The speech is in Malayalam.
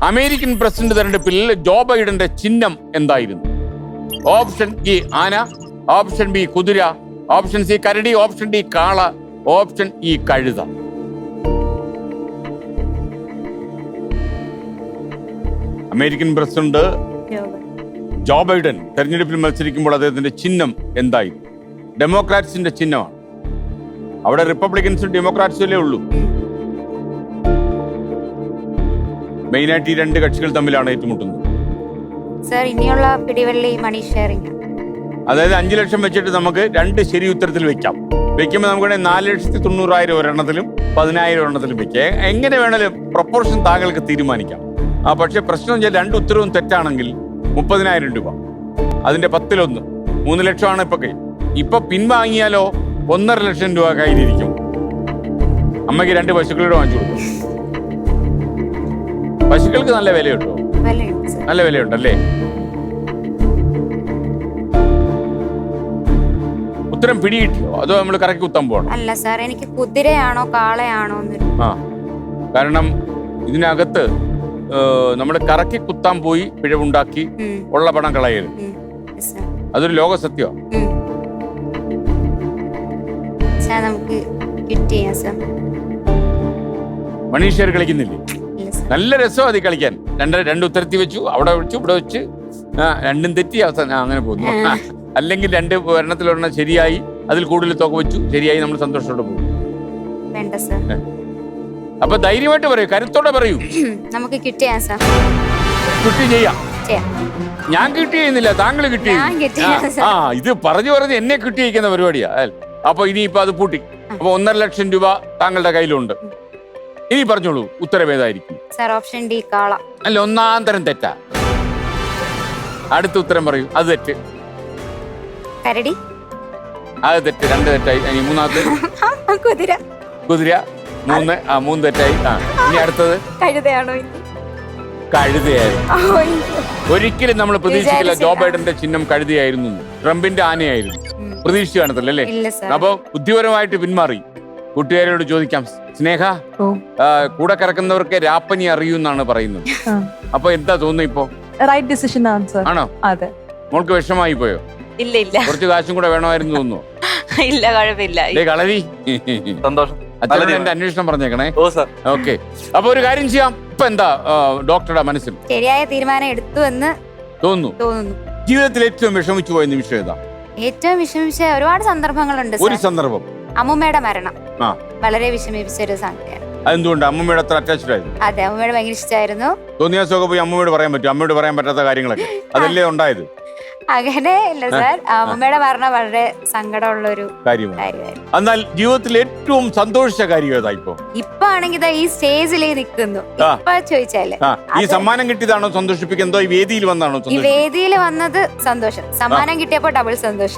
അമേരിക്കൻ പ്രസിഡന്റ് തെരഞ്ഞെടുപ്പിൽ ജോ ബൈഡന്റെ ചിഹ്നം എന്തായിരുന്നു? ഓപ്ഷൻ എ ആന, ഓപ്ഷൻ ബി കുതിര, ഓപ്ഷൻ സി കരടി, ഓപ്ഷൻ ഡി കാള, ഓപ്ഷൻ ഇ കഴുത. അമേരിക്കൻ പ്രസിഡന്റ് ജോ ബൈഡൻ തെരഞ്ഞെടുപ്പിൽ മത്സരിക്കുമ്പോൾ അദ്ദേഹത്തിന്റെ ചിഹ്നം എന്തായിരുന്നു? ഡെമോക്രാറ്റ്സിന്റെ ചിഹ്നമാണ്. അവിടെ റിപ്പബ്ലിക്കൻസും ഡെമോക്രാറ്റ്സും ഉള്ളൂ. മെയിനായിട്ട് ഈ രണ്ട് കക്ഷികൾ തമ്മിലാണ് ഏറ്റുമുട്ടുന്നത്. സർ, ഇനിയുള്ള പിടിവള്ളി മണി ഷെയറിംഗ്. അതായത് 5 ലക്ഷം വെച്ചിട്ട് നമുക്ക് 2 ശരി ഉത്തരത്തിൽ വെക്കാം. വെക്കുമ്പോൾ നമുക്ക് 4,90,000 ഒരെണ്ണത്തിലും 10,000 ഒരെണ്ണത്തിലും വെക്കാം. എങ്ങനെ വേണേലും പ്രൊപ്പോർഷൻ താങ്കൾക്ക് തീരുമാനിക്കാം. പക്ഷെ പ്രശ്നം വെച്ചാൽ 2 ഉത്തരവും തെറ്റാണെങ്കിൽ 30,000 രൂപ, അതിന്റെ 10-1 3 ലക്ഷമാണ് ഇപ്പൊ പിൻവാങ്ങിയാലോ 1.5 ലക്ഷം രൂപ കയ്യിലിരിക്കും. അമ്മയ്ക്ക് 2 പശുക്കളോട് വാങ്ങിച്ചു കൊടുക്കും. പശുക്കൾക്ക് നല്ല വിലയുണ്ടോ? നല്ല വിലയുണ്ടല്ലേ? ഉത്തരം പിടികിട്ടിയോ അതോ നമ്മൾ കറക്കി കുത്താൻ പോകണം? അല്ല സാർ, എനിക്ക് കുതിരയാണോ കാളയാണോ? കാരണം ഇതിനകത്ത് നമ്മൾ കറക്കി കുത്താൻ പോയി പിഴവുണ്ടാക്കി ഉള്ള പണം കളയരുത്. അതൊരു ലോക സത്യമാണ്. നമുക്ക് മണി ഷെയർ കളിക്കുന്നില്ലേ? നല്ല രസമാണ് അത് കളിക്കാൻ. 2 ഉത്തരത്തി വെച്ചു, അവിടെ വെച്ചു, ഇവിടെ വെച്ച്, 2ഉം തെറ്റി, അവസാനം അങ്ങനെ പോകുന്നു. അല്ലെങ്കിൽ 2 ഒരെണ്ണത്തിലൊരെണ്ണം ശരിയായി, അതിൽ കൂടുതൽ തുക വെച്ചു, ശരിയായി, നമ്മൾ സന്തോഷത്തോടെ പോകും. അപ്പൊ ധൈര്യമായിട്ട് പറയൂ, കരുത്തോടെ പറയൂ. നമുക്ക് കിട്ടി ചെയ്യാം. ഞാൻ കിട്ടി ചെയ്യുന്നില്ല, താങ്കൾ കിട്ടി. ഇത് പറഞ്ഞു എന്നെ കിട്ടിയിരിക്കുന്ന പരിപാടിയാ. അപ്പൊ ഇനിയിപ്പൊ അത് പൂട്ടി. അപ്പൊ 1.5 ലക്ഷം രൂപ താങ്കളുടെ കയ്യിലുണ്ട്. ഇനി പറഞ്ഞോളൂ, ഉത്തരം ഏതായിരിക്കും? ഓപ്ഷൻ ഡി കാള. അല്ല, 1-ാം തരം തെറ്റാ. അടുത്ത ഉത്തരം പറയൂ. അത് തെറ്റ്. കരടി. അത് തെറ്റ്. 2 തെറ്റായി. ഇനി 3-ാമത്തെ കുതിര. കുതിര 3 തെറ്റായി. ഇനി അടുത്തത് കഴുതയായിരുന്നു. ഒരിക്കലും നമ്മൾ പ്രതീക്ഷിക്കില്ല ജോ ബൈഡന്റെ ചിഹ്നം കഴുതയായിരുന്നു. ട്രംപിന്റെ ആനയായിരുന്നു. പ്രതീക്ഷിച്ചു കാണത്തില്ലല്ലേ? അപ്പൊ ബുദ്ധിപരമായിട്ട് പിന്മാറി. കൂട്ടുകാരോട് ചോദിക്കാം. സ്നേഹ, കൂടെ കിടക്കുന്നവർക്ക് രാപ്പനി അറിയൂന്നാണ് പറയുന്നത്. അപ്പൊ എന്താ തോന്നുന്നു ഇപ്പൊ? റൈറ്റ് ഡിസിഷൻ ആണോ? അതെ. മോൾക്ക് വിഷമായി പോയോ? ഇല്ല. കുറച്ച് കാശും കൂടെ വേണമായിരുന്നു തോന്നുന്നു. ഇല്ല, കുഴപ്പമില്ല. കളരി സന്തോഷം. അച്ഛനോട് എന്റെ അന്വേഷണം പറഞ്ഞേക്കണേ. ഓക്കെ. അപ്പൊ ഒരു കാര്യം ചെയ്യാം. ഇപ്പൊ എന്താ ഡോക്ടറുടെ മനസ്സിൽ ശരിയായ തീരുമാനം എടുത്തു എന്ന് തോന്നുന്നു. ജീവിതത്തിൽ ഏറ്റവും വിഷമിച്ചു പോയ നിമിഷം ഏതാ? ഏറ്റവും വിഷമിച്ച ഒരുപാട് സന്ദർഭങ്ങളുണ്ട്. ഒരു സന്ദർഭം. അമ്മൂമ്മയുടെ മരണം വളരെ വിഷമിപ്പിച്ച ഒരു സംഗതിയാണ്. അതെന്തുകൊണ്ട്? അമ്മൂമ്മയുടെ അത്ര അറ്റാച്ച്ഡ് ആയിരുന്നു? അതെ, അമ്മൂമ്മയുടെ ഭയങ്കര ഇഷ്ടമായിരുന്നു. തോന്നിയാസൊക്കെ പോയി അമ്മയോട് പറയാൻ പറ്റും? അമ്മയോട് പറയാൻ പറ്റാത്ത കാര്യങ്ങളൊക്കെ അതല്ലേ ഉണ്ടായത്? അങ്ങനെ ഇല്ല സാർ, അമ്മൂമ്മയുടെ മരണം വളരെ സങ്കടമുള്ള ഒരു കാര്യമായിരുന്നു. എന്നാൽ ജീവിതത്തിൽ ഏറ്റവും സന്തോഷിച്ച കാര്യം ഏതാ ഇപ്പൊ? ഇപ്പൊ ആണെങ്കിൽ ഈ സ്റ്റേജിൽ നിൽക്കുന്നു. ഇപ്പൊ ചോദിച്ചാല് ഈ സമ്മാനം കിട്ടിയതാണോ സന്തോഷിപ്പിക്കുന്നതോ ഈ വേദിയിൽ വന്നാണോ? ഈ വേദിയിൽ വന്നത് സന്തോഷം. സമ്മാനം കിട്ടിയപ്പോ ഡബിൾ സന്തോഷം.